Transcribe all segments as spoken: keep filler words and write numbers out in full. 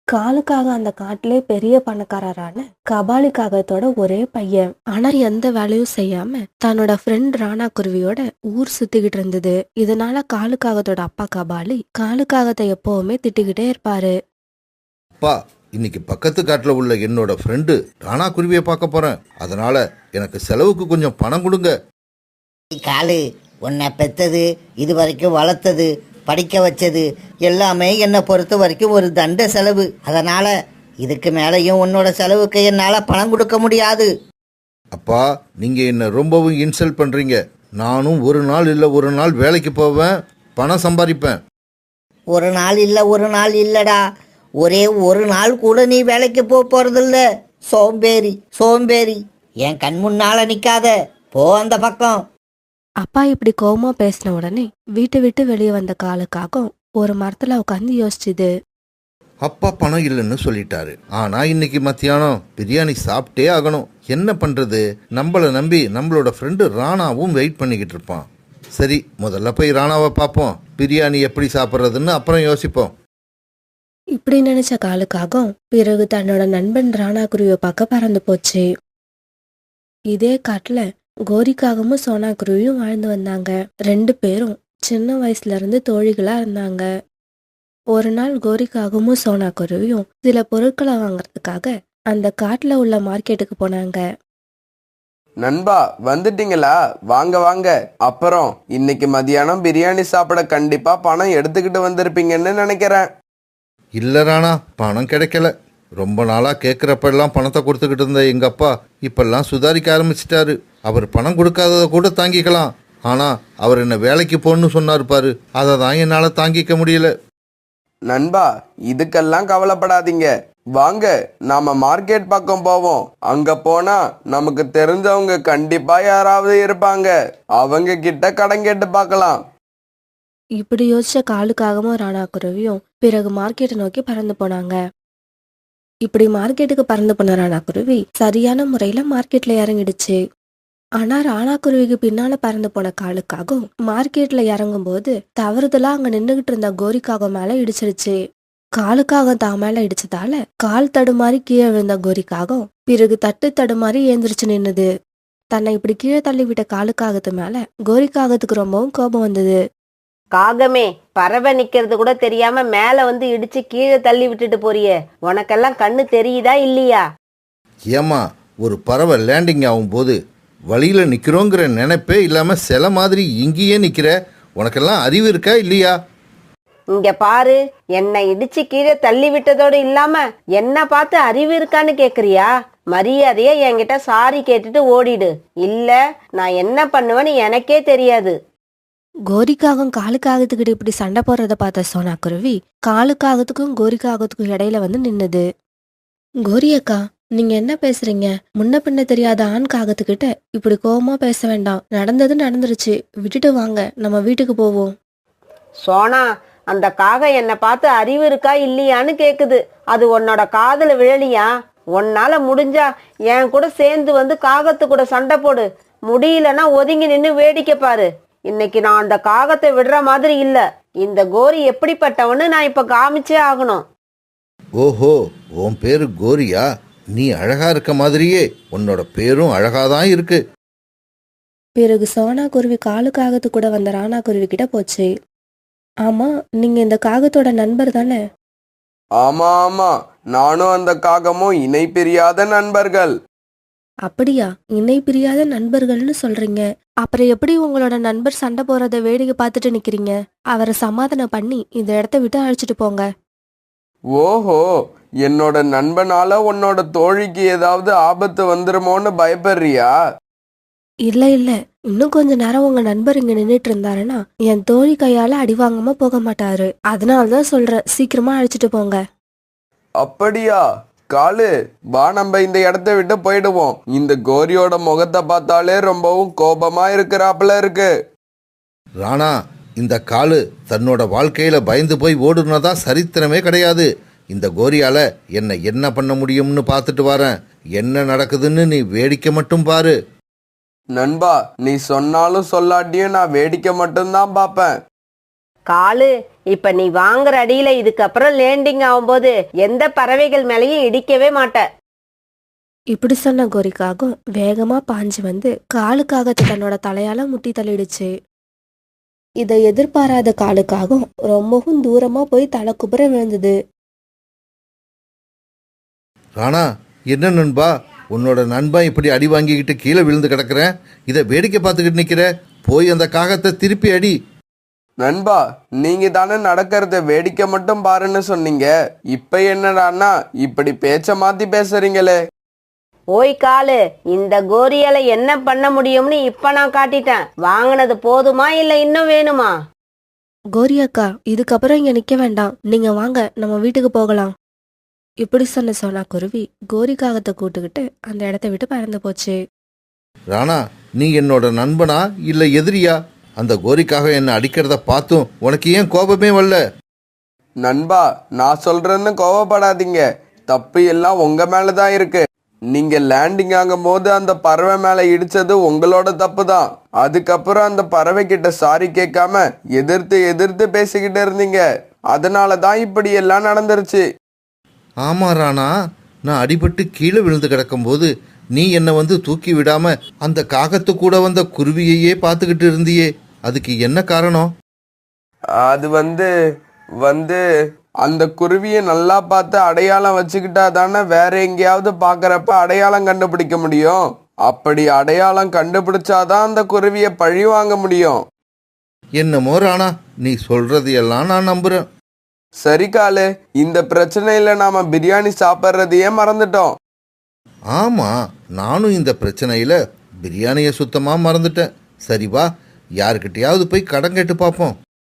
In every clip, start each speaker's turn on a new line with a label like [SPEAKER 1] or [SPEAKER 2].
[SPEAKER 1] காலுக்காக அந்த காட்டிலே பெரிய பணக்காரரான கபாலி காகத்தோட ஒரே பையன். ஆனா எந்த வேலையும் செய்யாம தன்னோட ஃப்ரெண்ட் ராணா குருவியோட ஊர் சுத்திக்கிட்டு இருந்தது. இதனால காலுக்காகத்தோட அப்பா கபாலி காலுக்காகத்தை எப்பவுமே திட்டிக்கிட்டே இருப்பாரு.
[SPEAKER 2] அப்பா, இன்னைக்கு பக்கத்து காட்டில் உள்ள என்னோட ஃப்ரெண்டு ராணா குருவியை பார்க்க போறேன். அதனால எனக்கு செலவுக்கு கொஞ்சம் பணம் கொடுங்க.
[SPEAKER 3] காலு, உன்னை பெத்தது, இது வரைக்கும் வளர்த்தது, படிக்க வச்சது எல்லாமே என்னை பொறுத்த வரைக்கும் ஒரு தண்ட செலவு. அதனால இதுக்கு மேலேயும் உன்னோட செலவுக்கு என்னால் பணம் கொடுக்க முடியாது.
[SPEAKER 2] அப்பா, நீங்க என்ன ரொம்பவும் இன்சல்ட் பண்றீங்க. நானும் ஒரு நாள் இல்லை ஒரு நாள் வேலைக்கு போவேன், பணம் சம்பாதிப்பேன்.
[SPEAKER 3] ஒரு நாள் இல்லை ஒரு நாள் இல்லடா, ஒரே ஒரு நாள் கூட நீ வேலைக்கு போக போறதில்ல. சோம்பேறி சோம்பேறி, என் கண் முன்னால நிக்காத, போ அந்த பக்கம்.
[SPEAKER 1] அப்பா இப்படி கோவமா பேசின உடனே வீட்டை விட்டு வெளியே வந்த காலுக்காக ஒரு மரத்துல உட்காந்து யோசிச்சுது.
[SPEAKER 2] அப்பா பணம் இல்லைன்னு சொல்லிட்டாரு. ஆனா இன்னைக்கு மத்தியானம் பிரியாணி சாப்பிட்டே ஆகணும். என்ன பண்றது? நம்மளை நம்பி நம்மளோட ஃப்ரெண்டு ராணாவும் வெயிட் பண்ணிக்கிட்டு இருப்பான். சரி, முதல்ல போய் ராணாவை பார்ப்போம். பிரியாணி எப்படி சாப்பிட்றதுன்னு அப்புறம் யோசிப்போம்.
[SPEAKER 1] இப்படி நினைச்ச காலுக்காக பிறகு தன்னோட நண்பன் ராணா குருவியை பார்க்க பறந்து போச்சு. இதே காட்டுல கோரிக்காகவும் சோனா குருவியும் வாழ்ந்து வந்தாங்க. ரெண்டு பேரும் சின்ன வயசுல இருந்து தோழிகளா இருந்தாங்க. ஒரு நாள் கோரிக்காகவும் சோனா குருவியும் சில பொருட்களை வாங்கறதுக்காக அந்த காட்டுல உள்ள மார்க்கெட்டுக்கு போனாங்க.
[SPEAKER 4] நண்பா, வந்துட்டீங்களா? வாங்க வாங்க. அப்புறம் இன்னைக்கு மதியானம் பிரியாணி சாப்பிட கண்டிப்பா பணம் எடுத்துக்கிட்டு வந்திருப்பீங்கன்னு நினைக்கிறேன்.
[SPEAKER 2] இல்லை ராணா, பணம் கிடைக்கல. ரொம்ப நாளாக கேட்குறப்பெல்லாம் பணத்தை கொடுத்துக்கிட்டு இருந்த எங்கள் அப்பா இப்பெல்லாம் சுதாரிக்க ஆரம்பிச்சிட்டாரு. அவர் பணம் கொடுக்காததை கூட தாங்கிக்கலாம். ஆனால் அவர் என்ன வேலைக்கு போகணுன்னு சொன்னார் பாரு, அதை தான் என்னால் தாங்கிக்க முடியல.
[SPEAKER 4] நண்பா, இதுக்கெல்லாம் கவலைப்படாதீங்க. வாங்க, நாம மார்க்கெட் பக்கம் போவோம். அங்க போனா நமக்கு தெரிஞ்சவங்க கண்டிப்பா யாராவது இருப்பாங்க. அவங்க கிட்ட கடன் கேட்டு பார்க்கலாம்.
[SPEAKER 1] இப்படி யோசிச்ச காலுக்காகவும் ராணா குருவியும் பிறகு மார்க்கெட்டை நோக்கி பறந்து போனாங்க. இப்படி மார்க்கெட்டுக்கு பறந்து போன ராணா குருவி சரியான முறையில மார்க்கெட்ல இறங்கிடுச்சு. ஆனா ராணா குருவிக்கு பின்னால பறந்து போன காலுக்காகவும் மார்க்கெட்ல இறங்கும் போது தவறுதலா அங்க நின்றுகிட்டு இருந்த கோரிக்காக மேல இடிச்சிருச்சு. காலுக்காக தான் மேல இடிச்சதால கால் தடுமாறி கீழே விழுந்த கோரிக்காகம் பிறகு தட்டு தடுமாறி ஏந்திரிச்சு நின்னுது. தன்னை இப்படி கீழே தள்ளி விட்ட காலுக்காகத்து மேல கோரிக்காகத்துக்கு ரொம்பவும் கோபம் வந்தது.
[SPEAKER 5] காகமே, பறவை நிக்கிறது கூட தெரியாம மேல வந்து இடிச்சு கீழே தள்ளி விட்டுட்டு போறியே, உனக்கெல்லாம் கண்ணு தெரியுதா இல்லையா?
[SPEAKER 2] ஏமா, ஒரு பறவை லேண்டிங் ஆகும்போது வழியில நிக்கிறோங்கிற நினைப்பே இல்லாம சில மாதிரி இங்கேயே நிக்கிற, உனக்கெல்லாம் அறிவு இருக்கா இல்லையா?
[SPEAKER 5] இங்க பாரு, என்னை இடிச்சு கீழே தள்ளி விட்டதோடு இல்லாம என்ன பார்த்து அறிவு இருக்கான்னு கேக்குறியா? மரியாதையா என்கிட்ட சாரி கேட்டுட்டு ஓடிடு, இல்ல நான் என்ன பண்ணுவேன்னு எனக்கே தெரியாது.
[SPEAKER 1] கோரிக்காகம் காலுக்காகத்துக்கிட்ட இப்படி சண்டை போடுறத பார்த்த சோனா குருவி காலுக்காகத்துக்கும் கோரிக்காகத்துக்கும் இடையில வந்து நின்னுது. கோரி அக்கா, நீங்க என்ன பேசுறீங்க? முன்ன பின்ன தெரியாத ஆண் காகத்துக்கிட்ட இப்படி கோவமா பேச வேண்டாம். நடந்தது நடந்துருச்சு, விட்டுட்டு வாங்க, நம்ம வீட்டுக்கு போவோம்.
[SPEAKER 5] சோனா, அந்த காகம் என்னை பார்த்து அறிவு இருக்கா இல்லையான்னு கேக்குது. அது உன்னோட காதுல விழலியா? உன்னால முடிஞ்சா என் கூட சேர்ந்து வந்து காகத்து கூட சண்டை போடு. முடியலன்னா ஒதுங்கி நின்று வேடிக்கை பாரு. இன்னைக்கு நான் அந்த காகத்தை விடுற மாதிரி இல்ல. இந்த கோரி எப்படிப்பட்டவன்னு நான் இப்ப காமிச்சே ஆகணும்.
[SPEAKER 2] ஓஹோ, உன் பேரு கோரியா? நீ அழகா இருக்க மாதிரியே உன்னோட பேரும் அழகாதான் இருக்கு.
[SPEAKER 1] பிறகு சோனா குருவி காலுக்காகத்து கூட வந்த ராணா குருவி கிட்ட போச்சு. ஆமா, நீங்க இந்த காகத்தோட நண்பர் தானே?
[SPEAKER 4] ஆமா ஆமா, நானும் அந்த காகமும் இணை பிரியாத நண்பர்கள்.
[SPEAKER 1] அப்படியா? இணை பிரியாத நண்பர்கள்னு சொல்றீங்க. அப்புறம் எப்படி உங்களோட நண்பர் சண்டை போறத வேடிக்கை பார்த்துட்டு நிக்கிறீங்க? அவரை சமாதானம் பண்ணி இந்த இடத்த விட்டு அழைச்சிட்டு போங்க.
[SPEAKER 4] ஓஹோ, என்னோட நண்பனால உன்னோட தோழிக்கு ஏதாவது ஆபத்து வந்துருமோன்னு பயப்படுறியா?
[SPEAKER 1] இல்ல இல்ல, இன்னும் கொஞ்ச நேரம் உங்க நண்பர் இங்க நின்றுட்டு இருந்தாருன்னா என் தோழி கையால அடி வாங்காம போக மாட்டாரு. அதனாலதான் சொல்றேன், சீக்கிரமா அழைச்சிட்டு போங்க.
[SPEAKER 4] அப்படியா? காலு, வா, நம்ம இந்த இடத்த விட்டு போயிடுவோம். இந்த கோரியோட முகத்தை பார்த்தாலே ரொம்பவும் கோபமா இருக்கிறாப்புல இருக்கு.
[SPEAKER 2] ராணா, இந்த காலு தன்னோட வாழ்க்கையில பயந்து போய் ஓடுனதான் சரித்திரமே கிடையாது. இந்த கோரியால என்ன என்ன பண்ண முடியும்னு பார்த்துட்டு வரேன். என்ன நடக்குதுன்னு நீ வேடிக்கை மட்டும் பாரு.
[SPEAKER 4] நண்பா, நீ சொன்னாலும் சொல்லாட்டியும் நான் வேடிக்கை மட்டும்தான் பார்ப்பேன்.
[SPEAKER 5] காலு, இப்ப நீ வாங்குற அடியில இதுக்கப்புறம் லேண்டிங் ஆகும்போது எந்த பறவைகள் மேலேயும் இடிக்கவே மாட்ட.
[SPEAKER 1] இப்படி சொன்ன கோரிக்காகம் வேகமா பாஞ்சு வந்து காலுக்காகத்தை தன்னோட தலையால முட்டி தள்ளிடுச்சு. இதை எதிர்பாராத காலுக்காகம் ரொம்பவும் தூரமா போய் தலை குப்புற விழுந்தது.
[SPEAKER 2] ராணா, என்ன நண்பா, உன்னோட நண்பன் இப்படி அடி வாங்கிக்கிட்டு கீழே விழுந்து கிடக்குறேன், இதை வேடிக்கை பார்த்துக்கிட்டு நிற்கிற, போய் அந்த காகத்தை திருப்பி அடி.
[SPEAKER 4] நண்பா, நீங்க தானே நடக்கிறத வேடிக்கை மட்டும் பாருன்னு சொன்னீங்க. இப்ப என்னடான்னா இப்படி பேச்ச மாத்தி பேசுறீங்களே.
[SPEAKER 5] ஓய் காலு, இந்த கோரியால என்ன பண்ண முடியும்னு இப்ப நான் காட்டிட்டேன். வாங்கினது போதுமா இல்ல இன்னும் வேணுமா?
[SPEAKER 1] கோரி அக்கா, இதுக்கப்புறம் இங்க நிக்க வேண்டாம், நீங்க வாங்க நம்ம வீட்டுக்கு போகலாம். இப்படி சொன்ன சோனா குருவி கோரி காகத்தை கூட்டுக்கிட்டு அந்த இடத்த விட்டு பறந்து போச்சு.
[SPEAKER 2] ராணா, நீ என்னோட நண்பனா இல்லை எதிரியா? அந்த கோரிக்காக என்னை அடிக்கிறத பார்த்தும் உனக்கு ஏன் கோபமே வரல?
[SPEAKER 4] நண்பா, நான் சொல்றேன்னு கோவப்படாதீங்க. தப்பு எல்லாம் உங்க மேலதான் இருக்கு. நீங்க லேண்டிங் ஆகும் போது அந்த பறவை மேல இடிச்சது உங்களோட தப்பு தான். அதுக்கப்புறம் அந்த பறவை கிட்ட சாரி கேட்காம எதிர்த்து எதிர்த்து பேசிக்கிட்டு இருந்தீங்க. அதனால தான் இப்படி எல்லாம் நடந்துருச்சு.
[SPEAKER 2] ஆமா ராணா, நான் அடிபட்டு கீழே விழுந்து கிடக்கும்போது நீ என்னை வந்து தூக்கி விடாம அந்த காகத்து கூட வந்த குருவியையே பார்த்துக்கிட்டு இருந்தியே, அதுக்கு என்ன காரணம்?
[SPEAKER 4] அது வந்து வந்து அந்த குருவியை நல்லா பார்த்து அடையாளம் வச்சுக்கிட்டா தானே வேற எங்கேயாவது பார்க்கறப்ப அடையாளம் கண்டுபிடிக்க முடியும். அப்படி அடையாளம் கண்டுபிடிச்சாதான் அந்த குருவியை பழி வாங்க முடியும்.
[SPEAKER 2] என்னமோ ராணா, நீ சொல்றது எல்லாம் நான் நம்புறேன்.
[SPEAKER 4] சரி காலு, இந்த பிரச்சனையில நாம பிரியாணி சாப்பிட்றதையே மறந்துட்டோம்.
[SPEAKER 2] ஆமா, நானும் இந்த பிரச்சனையில பிரியாணியை சுத்தமா மறந்துட்டேன். சரி வா, யாருக்கிட்டையாவது போய் கடன் கேட்டு பார்ப்போம்.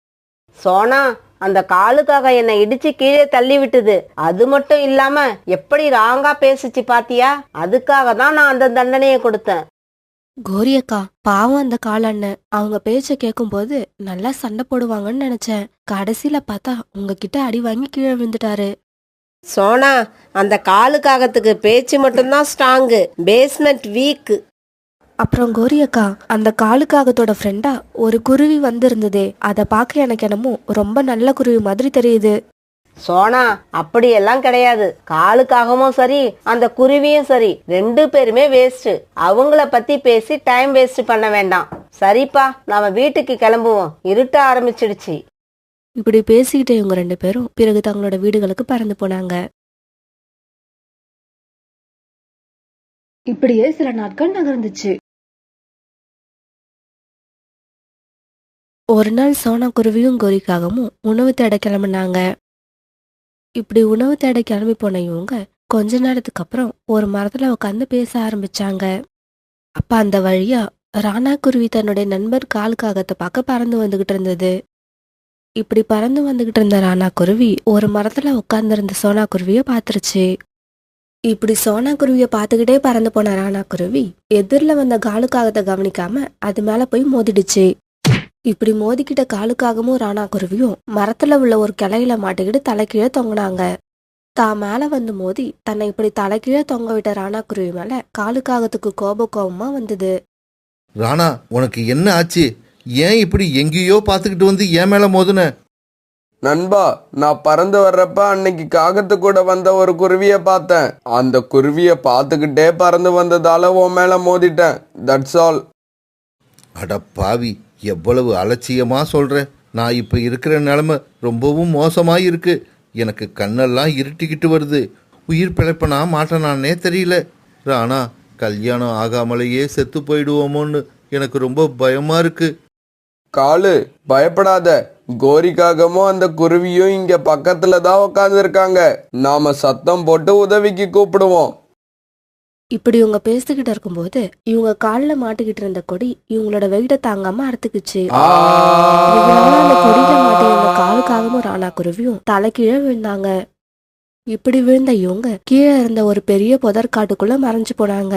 [SPEAKER 5] சோனா, அந்த காலுக்காக என்னை இடிச்சு கீழே தள்ளி விட்டுது. அது மட்டும் இல்லாம எப்படி ராங்கா பேசிச்சு பாத்தியா? அதுக்காக தான் நான் அந்த தண்டனையை கொடுத்தேன்.
[SPEAKER 1] கோரி அக்கா, பாவம் அந்த காலண்ணன், அவங்க பேச்ச கேட்கும் போது நல்லா சண்டை போடுவாங்கன்னு நினைச்சேன். கடைசியில பார்த்தா உங்ககிட்ட அடி வாங்கி கீழே விழுந்துட்டாரு.
[SPEAKER 5] சோனா, அந்த காலுக்காகத்துக்கு பேச்சு மட்டும்தான் ஸ்ட்ராங்கு, பேஸ்மெண்ட் வீக்.
[SPEAKER 1] அப்புறம் கோரி அக்கா, அந்த காலுக்காகத்தோட ஃப்ரெண்டா ஒரு குருவி வந்திருந்ததே, அதை பார்க்க எனக்கு என்னமோ ரொம்ப நல்ல குருவி மாதிரி தெரியுது.
[SPEAKER 5] சோனா, அப்படியெல்லாம் கிடையாது. காலுக்காகவும் சரி அந்த குருவியும் சரி ரெண்டு பேருமே வேஸ்ட். அவங்கள பத்தி பேசி டைம் வேஸ்ட் பண்ண வேண்டாம். சரிப்பா, நாம வீட்டுக்கு கிளம்புவோம், இருட்ட ஆரம்பிச்சிடுச்சு.
[SPEAKER 1] இப்படி பேசிக்கிட்டே இவங்க ரெண்டு பேரும் பிறகு தங்களோட வீடுகளுக்கு பறந்து போனாங்க. இப்படியே சில நாட்கள் நகர்ந்துச்சு. ஒரு நாள் சோனா குருவியும் கோரிக்காகவும் உணவு தேட கிளம்புனாங்க. இப்படி உணவு தேட கிளம்பி போன இவங்க கொஞ்ச நேரத்துக்கு அப்புறம் ஒரு மரத்துல உட்காந்து பேச ஆரம்பிச்சாங்க. அப்ப அந்த வழியா ராணா குருவி தன்னுடைய நண்பர் காலுக்காகத்தை பார்க்க பறந்து வந்துகிட்டு இருந்தது. இப்படி பறந்து வந்துகிட்டு இருந்த ராணா குருவி ஒரு மரத்துல உட்கார்ந்திருந்த சோனா குருவிய பாத்துருச்சு. இப்படி சோனா குருவிய பாத்துக்கிட்டே பறந்து போன ராணா குருவி எதிரில வந்த காலுக்காகத்தை கவனிக்காம அது மேல போய் மோதிடுச்சு. இப்படி மோதிக்கிட்ட காலுக்காகவும் ராணா குருவியும் மரத்துல உள்ள ஒரு கிளையில மாட்டிக்கிட்டு தலைக்கீழே தொங்கினாங்க. தான் மேல வந்து மோதி தன்னை இப்படி தலைக்கீழே தொங்க விட்ட ராணா குருவி மேல காலுக்காகத்துக்கு கோப கோபமா வந்தது.
[SPEAKER 2] ராணா, உனக்கு என்ன ஆச்சு? ஏன் இப்படி எங்கேயோ பார்த்துக்கிட்டு வந்து ஏன் மேல மோதுன?
[SPEAKER 4] நண்பா, நான் பறந்து வர்றப்ப அன்னைக்கு காகத்து கூட வந்த ஒரு குருவியை பார்த்தேன். அந்த குருவியை பார்த்துக்கிட்டே பறந்து வந்ததால உன் மேல மோதிட்டேன். That's all.
[SPEAKER 2] அட பாவி, எவ்வளவு அலட்சியமா சொல்ற. நான் இப்ப இருக்கிற நிலைமை ரொம்பவும் மோசமா இருக்கு. எனக்கு கண்ணெல்லாம் இருட்டிக்கிட்டு வருது. உயிர் பிழைப்பனா மாட்டேனானே தெரியல. ராணா, கல்யாணம் ஆகாமலேயே செத்து போயிடுவோமோன்னு எனக்கு ரொம்ப பயமா இருக்கு.
[SPEAKER 4] காலு, பயப்படாத. கோரிக்காகமும் அந்த குருவியும் இங்க பக்கத்துல தான் உட்கார்ந்து இருக்காங்க. நாம சத்தம் போட்டு உதவிக்கு கூப்பிடுவோம்.
[SPEAKER 1] இப்படி இவங்க பேசிக்கிட்டு இருக்கும்போது இவங்க கால்ல மாட்டிக்கிட்டு இருந்த கொடி இவங்களோட வெயிட்ட தாங்காம அறுத்துக்குச்சு. இதனால அந்த கொடியில மாட்டிருந்த காலுக்காகவும் ராணா குருவியும் தலை கீழே விழுந்தாங்க. இப்படி விழுந்த இவங்க கீழே இருந்த ஒரு பெரிய புதற்காட்டுக்குள்ள மறைஞ்சு போனாங்க.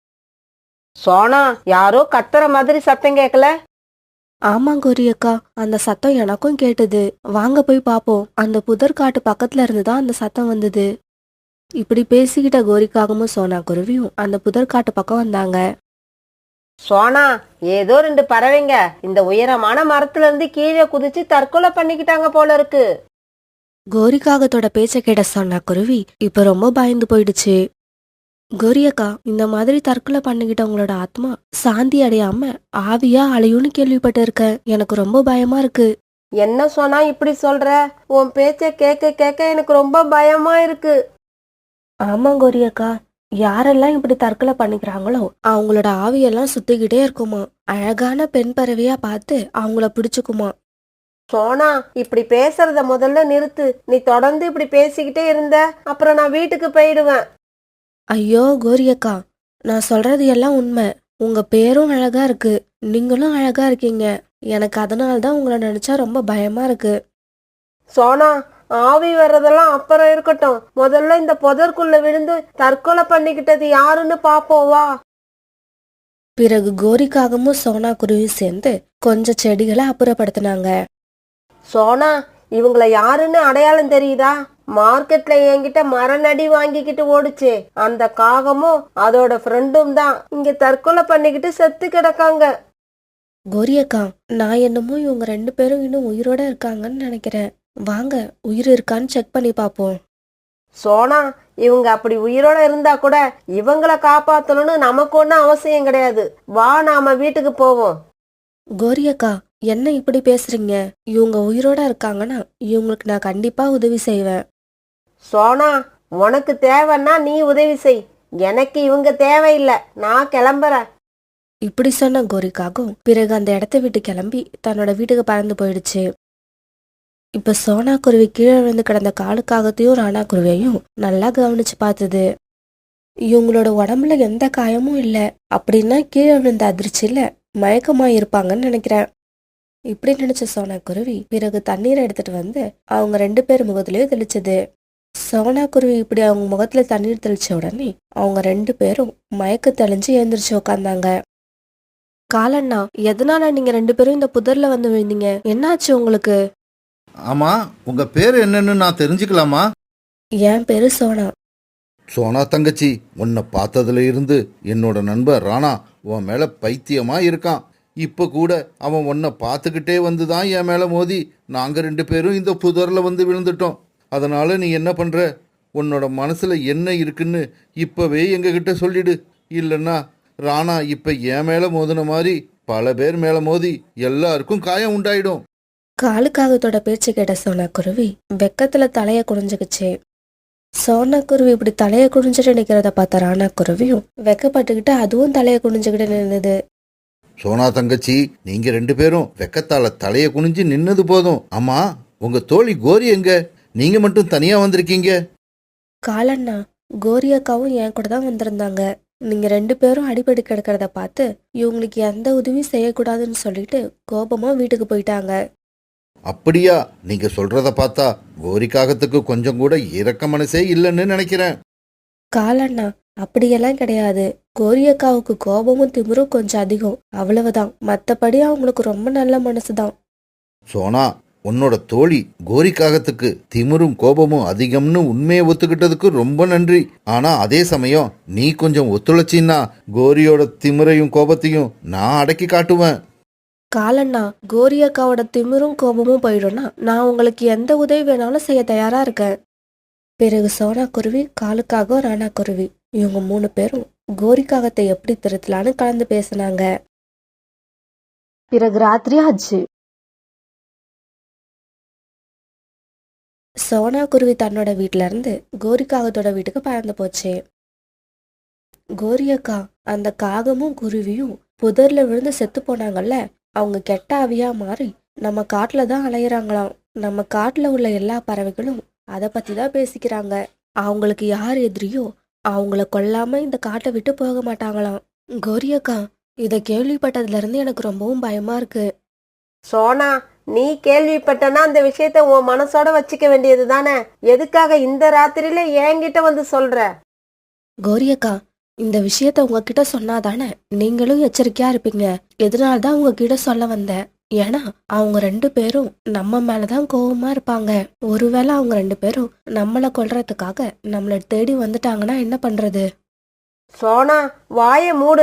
[SPEAKER 5] சோனா, யாரோ கத்துற மாதிரி சத்தம் கேட்கல?
[SPEAKER 1] ஆமா கோரி அக்கா, அந்த சத்தம் எனக்கும் கேட்டது. வாங்க போய் பாப்போம். அந்த புதற்காட்டு பக்கத்துல இருந்துதான் அந்த சத்தம் வந்தது. இப்படி பேசிக்கிட்ட கோரிக்காகவும் சோனா குருவியும் அந்த புதற்காட்டு பக்கம் வந்தாங்க.
[SPEAKER 5] சோனா, ஏதோ ரெண்டு பறவைங்க இந்த உயரமான மரத்துல இருந்து கீழே குதிச்சு தற்கொலை பண்ணிக்கிட்டாங்க போல இருக்கு.
[SPEAKER 1] கோரிக்காகத்தோட பேச்ச கேட்ட சோனா குருவி இப்ப ரொம்ப பயந்து போயிடுச்சு. கோரியக்கா, இந்த மாதிரி தற்கொலை பண்ணிக்கிட்டவங்களோட ஆத்மா சாந்தி அடையாம ஆவியா அலையும்னு கேள்விப்பட்டு இருக்கேன். எனக்கு ரொம்ப பயமா இருக்கு.
[SPEAKER 5] என்ன சோனா இப்படி சொல்ற? உன் பேச்ச கேட்க கேட்க எனக்கு ரொம்ப பயமா இருக்கு.
[SPEAKER 1] ஆமா கோரியக்கா, யாரெல்லாம் இப்படி தற்கொலை பண்ணிக்கிறாங்களோ அவங்களோட ஆவியெல்லாம் சுத்திக்கிட்டே இருக்குமா. அழகான பெண் பறவையா பார்த்து அவங்கள பிடிச்சுக்குமா.
[SPEAKER 5] சோனா, இப்படி பேசுறத முதல்ல நிறுத்து. நீ தொடர்ந்து இப்படி பேசிக்கிட்டே இருந்த அப்புறம் நான் வீட்டுக்கு போயிடுவேன்.
[SPEAKER 1] ஐயோ கோரியக்கா, நான் சொல்றது எல்லாம் உண்மை. உங்க பேரும் அழகா இருக்கு, நீங்களும் அழகா இருக்கீங்க. எனக்கு அதனால தான் உங்களை நினைச்சா ரொம்ப பயமா இருக்கு.
[SPEAKER 5] சோனா, ஆவி வர்றதெல்லாம் அப்புறம் இருக்கட்டும். முதல்ல இந்த புதற்குள்ள விழுந்து தற்கொலை பண்ணிக்கிட்டது யாருன்னு பாப்போம் வா.
[SPEAKER 1] பிறகு கோரிக்காகவும் சோனா குருவியும் சேர்ந்து கொஞ்சம் செடிகளை அப்புறப்படுத்தினாங்க.
[SPEAKER 5] சோனா, இவங்கள யாருன்னு அடையாளம் தெரியுதா? மார்க்கெட்ல என்கிட்ட மரநடி வாங்கிக்கிட்டு ஓடுச்சே அந்த காகமும் அதோட ஃப்ரெண்டும் தான் இங்க தற்கொலை பண்ணிக்கிட்டு செத்து கிடக்காங்க.
[SPEAKER 1] கோரியக்கா, நான் என்னமோ இவங்க ரெண்டு பேரும் இன்னும் உயிரோட இருக்காங்கன்னு நினைக்கிறேன். வாங்க உயிர் இருக்கான்னு செக் பண்ணி பார்ப்போம்.
[SPEAKER 5] சோனா, இவங்க அப்படி உயிரோட இருந்தா கூட இவங்கள காப்பாத்தணும்னு நமக்கு ஒன்றும் அவசியம் கிடையாது. வா, நாம வீட்டுக்கு போவோம்.
[SPEAKER 1] கோரியக்கா, என்ன இப்படி பேசுறீங்க? இவங்க உயிரோட இருக்காங்கன்னா இவங்களுக்கு நான் கண்டிப்பா உதவி செய்வேன்.
[SPEAKER 5] சோனா, உனக்கு தேவைன்னா நீ உதவி செய். எனக்கு இவங்க தேவையில்லை. நான் கிளம்புறேன்.
[SPEAKER 1] இப்படி சொன்ன கோரிக்காகவும் பிறகு அந்த இடத்த விட்டு கிளம்பி தன்னோட வீட்டுக்கு பறந்து போயிடுச்சு. இப்ப சோனா குருவி கீழே விழுந்து கிடந்த காலுக்காகத்தையும் ராணா குருவியையும் நல்லா கவனிச்சு பார்த்தது. இவங்களோட உடம்புல எந்த காயமும் இல்லை. அப்படின்னா கீழே விழுந்த அதிர்ச்சியில மயக்கமா இருப்பாங்கன்னு நினைக்கிறேன். இப்படி நினைச்ச சோனா குருவி பிறகு தண்ணீரை எடுத்துட்டு வந்து அவங்க ரெண்டு பேர் முகத்திலயும் தெளிச்சது. சோனா குருவி இப்படி அவங்க முகத்துல தண்ணீர் தெளிச்ச உடனே அவங்க ரெண்டு பேரும் மயக்க தெளிஞ்சு எழுந்திரிச்சு உட்காந்தாங்க. காலண்ணா, எதனால நீங்க ரெண்டு பேரும் இந்த புதர்ல வந்து விழுந்தீங்க? என்னாச்சு உங்களுக்கு?
[SPEAKER 2] ஆமா, உங்க பேர் என்னன்னு நான் தெரிஞ்சுக்கலாமா?
[SPEAKER 1] என் பேரு சோனா.
[SPEAKER 2] சோனா தங்கச்சி, உன்னை பார்த்ததுல இருந்து என்னோட நண்பர் ராணா உன் மேல பைத்தியமா இருக்கான். இப்ப கூட அவன் உன்னை பார்த்துக்கிட்டே வந்து தான் என் மேல மோதி நாங்க ரெண்டு பேரும் இந்த புதர்ல வந்து விழுந்துட்டோம். அதனால நீ என்ன பண்ற? உன்னோட மனசுல என்ன இருக்குன்னு இப்பவே எங்ககிட்ட சொல்லிடு. இல்லைன்னா ராணா இப்ப என் மேல மோதின மாதிரி பல பேர் மேல மோதி எல்லாருக்கும் காயம் உண்டாயிடும்.
[SPEAKER 1] காலுக்காகத்தோட பேச்சு கேட்ட சோனா குருவி வெக்கத்துல தலைய குனிஞ்சுக்குச்சு. சோனா குருவி இப்படி தலைய குனிஞ்சுட்டு நிக்கிறத பார்த்த ராணா குருவியும் வெக்கப்பட்டுக்கிட்டு அதுவும் தலைய குனிஞ்சுக்கிட்டு நின்னுது.
[SPEAKER 2] சோனா தங்கச்சி, நீங்க ரெண்டு பேரும் வெக்கத்தால தலைய குனிஞ்சு நின்னது போதும். ஆமா, உங்க தோழி கோரி எங்க? நீங்க மட்டும் தனியா வந்திருக்கீங்க.
[SPEAKER 1] காலண்ணா, கோரியக்காவும் என் கூட தான் வந்திருந்தாங்க. நீங்க ரெண்டு பேரும் அடிபடி கிடக்கிறத பார்த்து இவங்களுக்கு எந்த உதவியும் செய்யக்கூடாதுன்னு சொல்லிட்டு கோபமா வீட்டுக்கு போயிட்டாங்க.
[SPEAKER 2] அப்படியா? நீங்க சொல்றத பார்த்தா கோரிக்காகத்துக்கு கொஞ்சம் கூட இரக்க மனசே இல்லைன்னு நினைக்கிறேன்.
[SPEAKER 1] காலண்ணா, அப்படியெல்லாம் கிடையாது. கோரியக்காவுக்கு கோபமும் திமிரும் கொஞ்சம் அதிகம், அவ்வளவுதான். மத்தபடி அவங்களுக்கு ரொம்ப நல்ல மனசுதான்.
[SPEAKER 2] சோனா, உன்னோட தோழி கோரிக்காகத்துக்கு திமிரும் கோபமும் அதிகம்னு உண்மையை ஒத்துக்கிட்டதுக்கு ரொம்ப நன்றி. ஆனா அதே சமயம் நீ கொஞ்சம் ஒத்துழைச்சின்னா கோரியோட திமிரையும் கோபத்தையும் நான் அடக்கி காட்டுவேன்.
[SPEAKER 1] காலண்ணா, கோரியக்காவோட திமிரும் கோபமும் போயிடும்னா நான் உங்களுக்கு எந்த உதவி வேணாலும் செய்ய தயாரா இருக்கேன். பிறகு சோனா குருவி, காலுக்காக, ராணா குருவி இவங்க மூணு பேரும் கோரிக்காகத்தை எப்படி திருத்தலான்னு கலந்து பேசினாங்க. பிறகு ராத்திரி ஆச்சு. சோனா குருவி தன்னோட வீட்டுல இருந்து கோரிக்காகத்தோட வீட்டுக்கு பறந்து போச்சு. கோரியக்கா, அந்த காகமும் குருவியும் புதர்ல விழுந்து செத்து போனாங்கல்ல, அவங்க கெட்ட ஆவியா மாறி நம்ம காட்டுல தான் அலையிறாங்களாம். நம்ம காட்டுல உள்ள எல்லா பறவைகளும் அதை பத்தி தான் பேசிக்கிறாங்க. அவங்களுக்கு யார் எதிரியோ அவங்கள கொல்லாம இந்த காட்டை விட்டு போக மாட்டாங்களாம். கோரியக்கா, இதை கேள்விப்பட்டதுல இருந்து எனக்கு ரொம்பவும் பயமா இருக்கு.
[SPEAKER 5] சோனா, நீ கேள்விப்பட்டனா அந்த விஷயத்த உன் மனசோட வச்சுக்க வேண்டியது தானே. எதுக்காக இந்த ராத்திரியில என்கிட்ட வந்து சொல்ற?
[SPEAKER 1] கோரியக்கா, இந்த விஷயத்த உங்ககிட்ட சொன்னாதானே நீங்களும் எச்சரிக்கையா இருப்பீங்க. எதனால்தான் உங்ககிட்ட சொல்ல வந்தேன். ஏன்னா அவங்க ரெண்டு பேரும் நம்ம மேலதான் கோவமா இருப்பாங்க. ஒருவேளை அவங்க ரெண்டு பேரும் நம்மளை கொல்றதுக்காக நம்மள தேடி வந்துட்டாங்கன்னா என்ன பண்றது?
[SPEAKER 5] சோனா, வாய மூடு.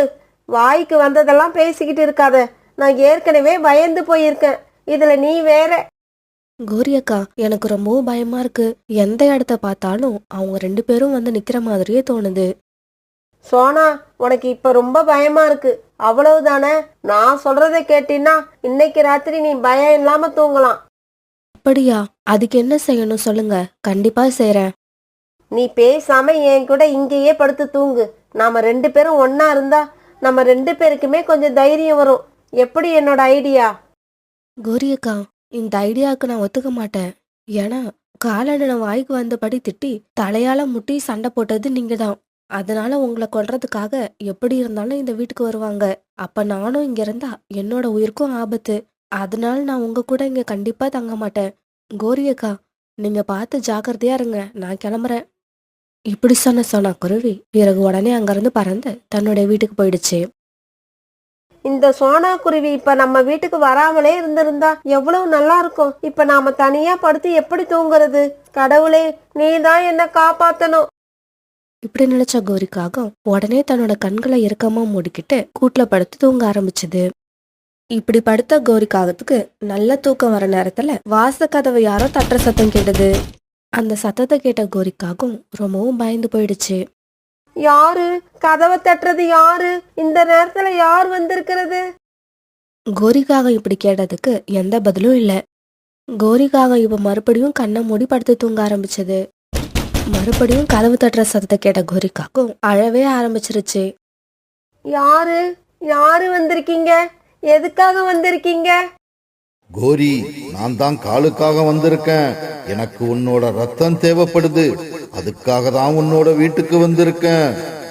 [SPEAKER 5] வாய்க்கு வந்ததெல்லாம் பேசிக்கிட்டு இருக்காத. நான் ஏற்கனவே பயந்து போயிருக்கேன், இதுல நீ வேற.
[SPEAKER 1] கோரி அக்கா, எனக்கு ரொம்பவும் பயமா இருக்கு. எந்த இடத்த பார்த்தாலும் அவங்க ரெண்டு பேரும் வந்து நிக்கிற மாதிரியே தோணுது.
[SPEAKER 5] சோனா, உனக்கு இப்ப ரொம்ப பயமா இருக்கு, அவ்வளவுதானே? நான் சொல்றத கேட்டீன்னா இன்னைக்கு ராத்திரி நீ பயம் இல்லாம தூங்கலாம்.
[SPEAKER 1] அப்படியா? அதுக்கு என்ன செய்யணும் சொல்லுங்க, கண்டிப்பா செய்றேன்.
[SPEAKER 5] நீ பேசாம என் கூட இங்கேயே படுத்து தூங்கு. நாம ரெண்டு பேரும் ஒன்னா இருந்தா நம்ம ரெண்டு பேருக்குமே கொஞ்சம் தைரியம் வரும். எப்படி என்னோட ஐடியா?
[SPEAKER 1] கோரி அக்கா, இந்த ஐடியாவுக்கு நான் ஒத்துக்க மாட்டேன். ஏன்னா காலண்ணனை வாய்க்கு வந்தபடி திட்டி தலையால முட்டி சண்டை போட்டது நீங்க தான். அதனால உங்களை கொல்றதுக்காக எப்படி இருந்தாலும் இந்த வீட்டுக்கு வருவாங்க. அப்ப நானும் இங்க இருந்தா என்னோட உயிருக்கும் ஆபத்து. அதனால நான் உங்க கூட இங்க கண்டிப்பா தங்க மாட்டேன். கோரி அக்கா, நீங்க பார்த்து ஜாக்கிரதையா இருங்க, நான் கிளம்புறேன். இப்படி சொன்ன சோனா குருவி பிறகு உடனே அங்கிருந்து பறந்து தன்னுடைய வீட்டுக்கு போயிடுச்சு.
[SPEAKER 5] இந்த சோனா குருவி இப்ப நம்ம வீட்டுக்கு வராமலே இருந்திருந்தா எவ்வளவு நல்லா இருக்கும். இப்ப நாம தனியா படுத்து எப்படி தூங்குறது? கடவுளே, நீ தான் என்ன காப்பாத்தணும்.
[SPEAKER 1] இப்படி நினைச்ச கோரிக்காகம் உடனே தன்னோட கண்களை இறுக்கமா மூடிக்கிட்டு கூட்டுல படுத்து தூங்க ஆரம்பிச்சது. இப்படி படுத்த கோரிக்காகத்துக்கு நல்ல தூக்கம் வர நேரத்துல வாச கதவை யாரோ தட்டுற சத்தம் கேட்டது. அந்த சத்தத்தை கேட்ட கோரிக்காகம் ரொம்பவும் பயந்து போயிடுச்சு.
[SPEAKER 5] யாரு கதவை தட்டுறது? யாரு இந்த நேரத்துல யார் வந்திருக்கிறது?
[SPEAKER 1] கோரிக்காகம் இப்படி கேட்டதுக்கு எந்த பதிலும் இல்ல. கோரிக்காகம் இப்ப மறுபடியும் கண்ணை மூடி படுத்து தூங்க ஆரம்பிச்சது. மறுபடியும் கதவு தட்டுற சத்தத்தை கேட்ட கோரிக்காகம் அழவே ஆரம்பிச்சிருச்சு.
[SPEAKER 5] யாரு யாரு வந்திருக்கீங்க? எதுக்காக வந்திருக்கீங்க?
[SPEAKER 2] கோரி, நான் தான் காலுக்காக வந்திருக்கேன். எனக்கு உன்னோட ரத்தம் தேவைப்படுது, அதுக்காக தான் உன்னோட வீட்டுக்கு வந்திருக்கேன்.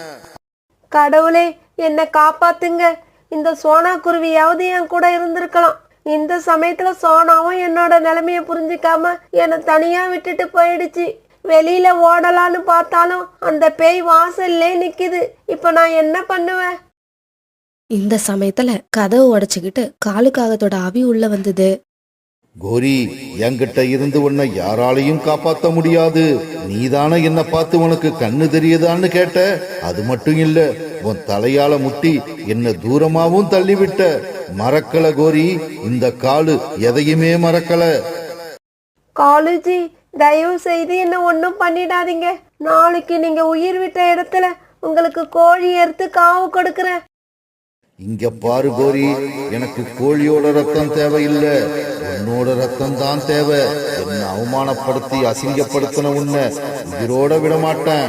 [SPEAKER 5] கடவுளே, என்ன காப்பாத்துங்க. இந்த சோனா குருவியாவது என் கூட இருந்திருக்கலாம். இந்த சமயத்துல சோனாவும் என்னோட நிலைமைய புரிஞ்சுக்காம என்னை தனியா விட்டுட்டு போயிடுச்சு. வெளியில ஓடலான்னு பார்த்தாலும் அந்த பேய் வாசல்லே நிக்குது. இப்ப நான் என்ன பண்ணுவேன்?
[SPEAKER 1] இந்த சமயத்துல கதவு உடைச்சுக்கிட்டு காலுக்காகத்தோட ஆவி உள்ள வந்தது.
[SPEAKER 2] கோரி, என்கிட்ட இருந்து உன்னை யாராலையும் காப்பாத்த முடியாது. நீதானே என்ன பார்த்து உனக்கு கண்ணு தெரியுதான்னு கேட்ட. அது மட்டும் இல்ல, உன் தலையால முட்டி என்ன தூரமாவும் தள்ளிவிட்ட. மறக்கல கோரி, இந்த காலு எதையுமே மறக்கல.
[SPEAKER 5] காலுஜி, தயவு செய்து என்ன ஒன்றும் பண்ணிடாதீங்க. நாளைக்கு நீங்க உயிர் விட்ட இடத்துல உங்களுக்கு கோழி எடுத்து காவு கொடுக்கறேன்.
[SPEAKER 2] இங்க பாரு கோரி, எனக்கு கோழியோட ரத்தம் தேவையில்லை, உன்னோட ரத்தம் தான் தேவை. என்னை அவமானப்படுத்தி அசிங்கப்படுத்தின உன்னை உயிரோட விட மாட்டேன்.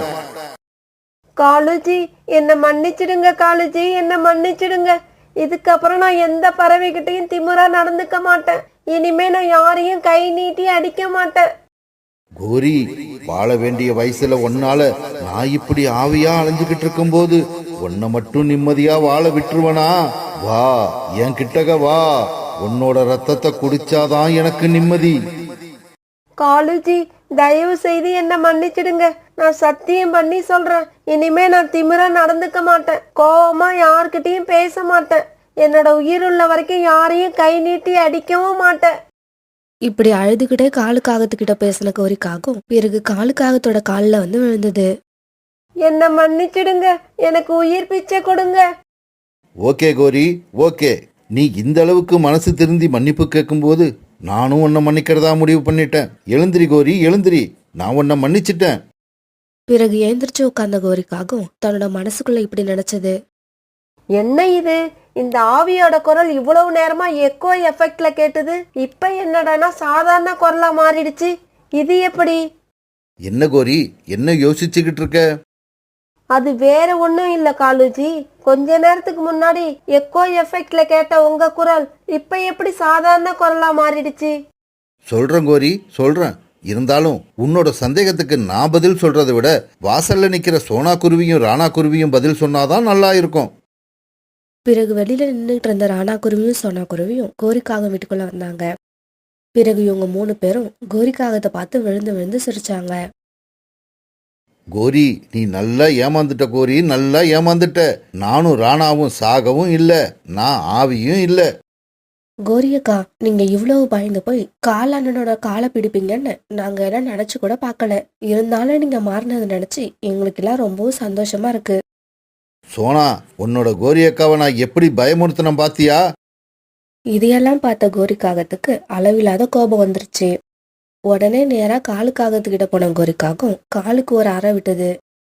[SPEAKER 5] காலுஜி, என்ன மன்னிச்சிடுங்க. காலுஜி, என்ன மன்னிச்சிடுங்க. இதுக்கப்புறம் நான் எந்த பறவைகிட்டையும் திமிரா நடந்துக்க மாட்டேன். இனிமே நான் யாரையும் கை நீட்டி அடிக்க மாட்டேன்.
[SPEAKER 2] கோரி, வாழ வேண்டிய வயசுல ஒன்னால நான் இப்படி ஆவியா அலைஞ்சுகிட்டு இருக்கும் போது உன்னை மட்டும் நிம்மதியா வாழ விட்டுருவனா? வா, என் கிட்டக வா. உன்னோட ரத்தத்தை குடிச்சாதான் எனக்கு நிம்மதி.
[SPEAKER 5] காலுஜி, தயவு செய்து என்ன மன்னிச்சிடுங்க. நான் சத்தியம் பண்ணி சொல்றேன், இனிமே நான் திமிரா நடந்துக்க மாட்டேன். கோவமா யார்கிட்டயும் பேச மாட்டேன். என்னோட உயிர் உள்ள வரைக்கும் யாரையும் கை நீட்டி அடிக்கவும் மாட்டேன்.
[SPEAKER 1] இப்படி அழுதுகிட்டே காலுக்காகத்துக்கிட்ட பேசின கோரிக்காகும் பிறகு காலுக்காகத்தோட காலில் வந்து விழுந்தது.
[SPEAKER 5] என்ன மன்னிச்சிடுங்க, எனக்கு உயிர் பிச்சை கொடுங்க.
[SPEAKER 2] ஓகே கோரி, ஓகே. நீ இந்த அளவுக்கு மனசு திருந்தி மன்னிப்பு கேட்கும்போது நானும் உன்னை மன்னிக்கிறதா முடிவு பண்ணிட்டேன். எழுந்திரி கோரி, எழுந்திரி. நான் உன்னை மன்னிச்சிட்டேன்.
[SPEAKER 1] பிறகு ஏந்திரிச்சு உட்கார்ந்த கோரிக்காகும் தன்னோட மனசுக்குள்ள இப்படி நினைச்சது.
[SPEAKER 5] என்ன இது? இந்த ஆவியோட குரல் இவ்வளவு நேரமா எக்கோ எஃபெக்ட்ல கேட்டது, இப்ப என்னடானா சாதாரண குரலா மாறிடுச்சு. இது எப்படி?
[SPEAKER 2] என்ன கோரி, என்ன யோசிச்சுக்கிட்டு இருக்க?
[SPEAKER 5] அது வேற ஒண்ணும் இல்ல காலுஜி. கொஞ்ச நேரத்துக்கு முன்னாடி எக்கோ எஃபெக்ட்ல கேட்ட உங்க குரல் இப்ப எப்படி சாதாரண குரலா மாறிடுச்சு?
[SPEAKER 2] சொல்றேன் கோரி, சொல்றேன். இருந்தாலும் உன்னோட சந்தேகத்துக்கு நான் பதில் சொல்றதை விட வாசல்ல நிக்கிற சோனா குருவியும் ராணா குருவியும் பதில் சொன்னாதான் நல்லா இருக்கும்.
[SPEAKER 1] பிறகு வெளியில நின்றுட்டு இருந்த ராணா குருவியும் சோனா குருவியும் கோரிக்காகம் வீட்டுக்குள்ள வந்தாங்க. பிறகு இவங்க மூணு பேரும் கோரிக்காகத்தை பார்த்து விழுந்து விழுந்து சிரிச்சாங்க.
[SPEAKER 2] கோரி, நீ நல்லா ஏமாந்துட்ட கோரி, நல்லா ஏமாந்துட்ட. நானும் ராணாவும் சாகவும் இல்ல, நான் ஆவியும் இல்ல.
[SPEAKER 1] கோரியக்கா, நீங்க இவ்வளவு பயந்து போய் காலண்ணனோட காலை பிடிப்பீங்கன்னு நாங்க எல்லாம் நினைச்சு கூட பார்க்கல. இருந்தாலும் நீங்க மாறினதை நினைச்சு எங்களுக்கு எல்லாம் ரொம்பவும் சந்தோஷமா இருக்கு.
[SPEAKER 2] சோனா, உன்னோட கோரி அக்காவை நான் எப்படி பயமுறுத்தினேன் பாத்தியா?
[SPEAKER 1] இதையெல்லாம் பார்த்த கோரிக்காகத்துக்கு அளவில்லாத கோபம் வந்துருச்சு. உடனே நேரா காலுக்காகத்துக்கிட்ட போன கோரிக்காகம் காலுக்கு ஒரு அறை விட்டது.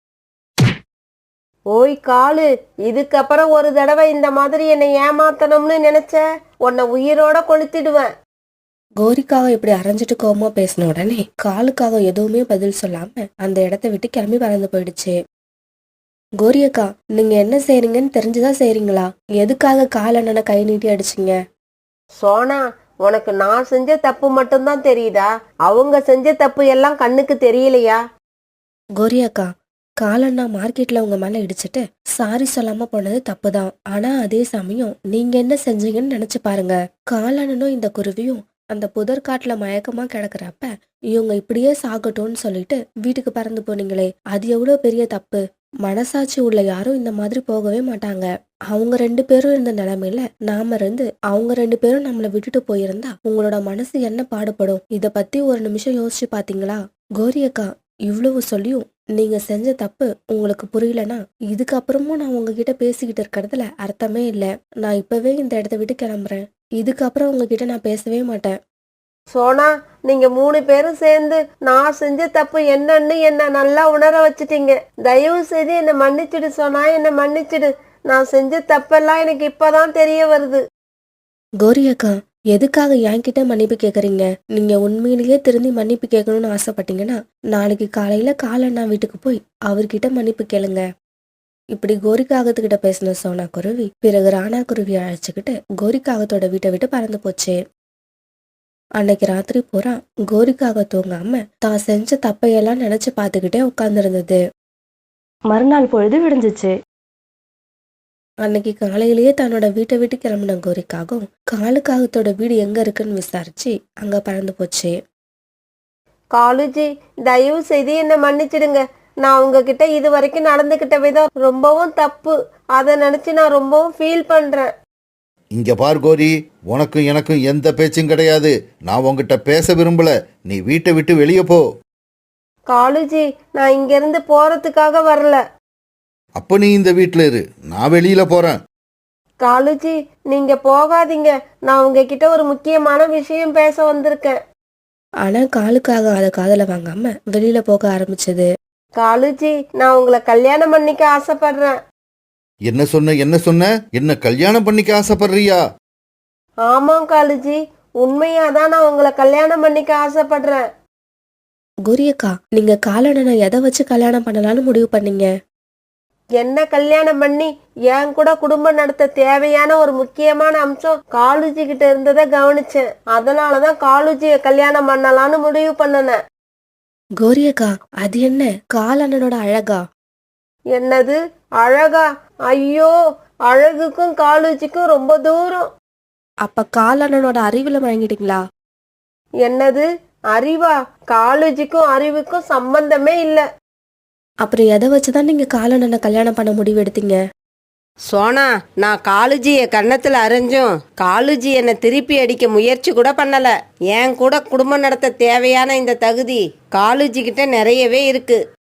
[SPEAKER 5] ஓய் காலு, இதுக்கப்புறம் ஒரு தடவை இந்த மாதிரி என்னை ஏமாத்தணும்னு நினைச்ச உன்னை உயிரோட கொளுத்திடுவேன்.
[SPEAKER 1] கோரிக்காக இப்படி அரைஞ்சிட்டு கோவமா பேசின உடனே காலுக்காக எதுவுமே பதில் சொல்லாம அந்த இடத்த விட்டு கிளம்பி பறந்து போயிடுச்சு. கோரியக்கா, நீங்க என்ன செய்றீங்கன்னு தெரிஞ்சுதான் செய்றீங்களா? எதுக்காக காலண்ணனை கை நீட்டி அடிச்சீங்க?
[SPEAKER 5] சோனா, உனக்கு நான் செஞ்ச தப்பு மட்டும்தான் தெரியுதா? அவங்க செஞ்ச தப்பு எல்லாம் கண்ணுக்கு தெரியலையா?
[SPEAKER 1] கோரியக்கா, காலண்ணா மார்க்கெட்ல உங்க மேல இடிச்சிட்டு சாரி சொல்லாம போனது தப்புதான். ஆனா அதே சமயம் நீங்க என்ன செஞ்சீங்கன்னு நினைச்சு பாருங்க. காலண்ணனும் இந்த குருவியும் அந்த புதற்காட்டுல மயக்கமா கிடக்குறப்ப இவங்க இப்படியே சாகட்டும்னு சொல்லிட்டு வீட்டுக்கு பறந்து போனீங்களே, அது எவ்வளவு பெரிய தப்பு. மனசாட்சி உள்ள யாரும் இந்த மாதிரி போகவே மாட்டாங்க. அவங்க ரெண்டு பேரும் இருந்த நிலைமையில நாம இருந்து அவங்க ரெண்டு பேரும் நம்மள விட்டுட்டு போயிருந்தா உங்களோட மனசு என்ன பாடுபடும்? இத பத்தி ஒரு நிமிஷம் யோசிச்சு பாத்தீங்களா? கோரியக்கா, இவ்வளவு சொல்லியும் நீங்க செஞ்ச தப்பு உங்களுக்கு புரியலனா இதுக்கப்புறமும் நான் உங்ககிட்ட பேசிக்கிட்டு இருக்கிறதுல அர்த்தமே இல்லை. நான் இப்பவே இந்த இடத்த விட்டு கிளம்புறேன். இதுக்கப்புறம் உங்ககிட்ட நான் பேசவே மாட்டேன்.
[SPEAKER 5] சோனா, நீங்க மூணு பேரும் சேர்ந்து நான் செஞ்ச தப்பு என்னன்னு என்ன நல்லா உணர வச்சுட்டீங்க. தயவு செய்து என்னை மன்னிச்சிடு சோனா, என்னை மன்னிச்சிடு. நான் செஞ்ச தப்பெல்லாம் எனக்கு இப்பதான் தெரிய வருது.
[SPEAKER 1] கோரியக்கா, எதுக்காக என்கிட்ட மன்னிப்பு கேக்குறீங்க? நீங்க உண்மையிலேயே திருந்தி மன்னிப்பு கேட்கணும்னு ஆசைப்பட்டீங்கன்னா நாளைக்கு காலையில காலண்ணா வீட்டுக்கு போய் அவர்கிட்ட மன்னிப்பு கேளுங்க. இப்படி கோரிக்காகத்துக்கிட்ட பேசின சோனா குருவி பிறகு ராணா குருவி அழைச்சுக்கிட்டு கோரிக்காகத்தோட வீட்டை விட்டு பறந்து போச்சு. அன்னைக்கு ராத்திரி பூரா கோரிக்காக தூங்காம தான் செஞ்ச தப்பையெல்லாம் நினைச்சு பார்த்துக்கிட்டே உட்கார்ந்துருந்தது. மறுநாள் பொழுது விடிஞ்சிச்சு. அன்னைக்கு காலையிலேயே தன்னோட வீட்டை விட்டு கிளம்பின கோரிக்காகவும் காலுக்காகத்தோட வீடு எங்க இருக்குன்னு விசாரிச்சு அங்க பறந்து போச்சு.
[SPEAKER 5] காலுஜி, தயவு செய்து என்னை மன்னிச்சிடுங்க. நான் உங்ககிட்ட இது வரைக்கும் நடந்துகிட்ட விதம் ரொம்பவும் தப்பு. அதை நினைச்சு நான் ரொம்பவும் ஃபீல் பண்றேன்.
[SPEAKER 2] இங்க பார் கோரி, உனக்கும் எனக்கும் எந்த பேச்சும் கிடையாது. நான் உன்கிட்ட பேச விரும்பல. நீ வீட்டை விட்டு வெளியே போ.
[SPEAKER 5] காலுஜி, நான் இங்க இருந்து போறதுக்காக வரல.
[SPEAKER 2] அப்ப நீ இந்த வீட்டுல இரு, நான் வெளியில போறேன்.
[SPEAKER 5] காலுஜி, நீங்க போகாதீங்க. நான் உங்ககிட்ட ஒரு முக்கியமான விஷயம் பேச வந்திருக்கேன்.
[SPEAKER 1] ஆனா காலுக்காக அதை காதுல வாங்காம வெளியில போக ஆரம்பிச்சது.
[SPEAKER 5] காலுஜி, நான் உங்களை கல்யாணம் பண்ணிக்க ஆசைப்படுறேன்.
[SPEAKER 2] என்ன சொன்ன என்ன சொன்ன என்ன கல்யாணம் பண்ணிக்க ஆசைப்படுறியா?
[SPEAKER 5] ஆமாம் காலுஜி, உண்மையாதான் நான் உங்களை கல்யாணம் பண்ணிக்க ஆசைப்படுறேன்.
[SPEAKER 1] கோரியக்கா, நீங்க காலண்ணனை எதை வச்சு கல்யாணம் பண்ணலாம்னு முடிவு பண்ணீங்க?
[SPEAKER 5] என்ன கல்யாணம் பண்ணி என் கூட குடும்பம் நடத்த தேவையான ஒரு முக்கியமான அம்சம் காலுஜி கிட்ட இருந்ததை கவனிச்சேன். அதனாலதான் காலுஜிய கல்யாணம் பண்ணலான்னு முடிவு பண்ணனேன்.
[SPEAKER 1] கோரியக்கா, அது என்ன காலண்ணனோட அழகா?
[SPEAKER 5] என்னது அழகா? ஐயோ, அழகுக்கும் காலுஜிக்கும் ரொம்ப தூரம்.
[SPEAKER 1] அப்ப காலண்ணனோட அறிவுல வாங்கிட்டீங்களா?
[SPEAKER 5] என்னது அறிவா? காலுஜிக்கும் அறிவுக்கும் சம்பந்தமே இல்ல.
[SPEAKER 1] அப்புறம் எதை வச்சுதான் நீங்க காலண்ணனை கல்யாணம் பண்ண முடிவு எடுத்தீங்க?
[SPEAKER 5] சோனா, நான் காலுஜிய கன்னத்துல அரைஞ்சும் காலுஜி என்னை திருப்பி அடிக்க முயற்சி கூட பண்ணல. என் கூட குடும்பம் நடத்த தேவையான இந்த தகுதி காலுஜி கிட்ட நிறையவே இருக்கு.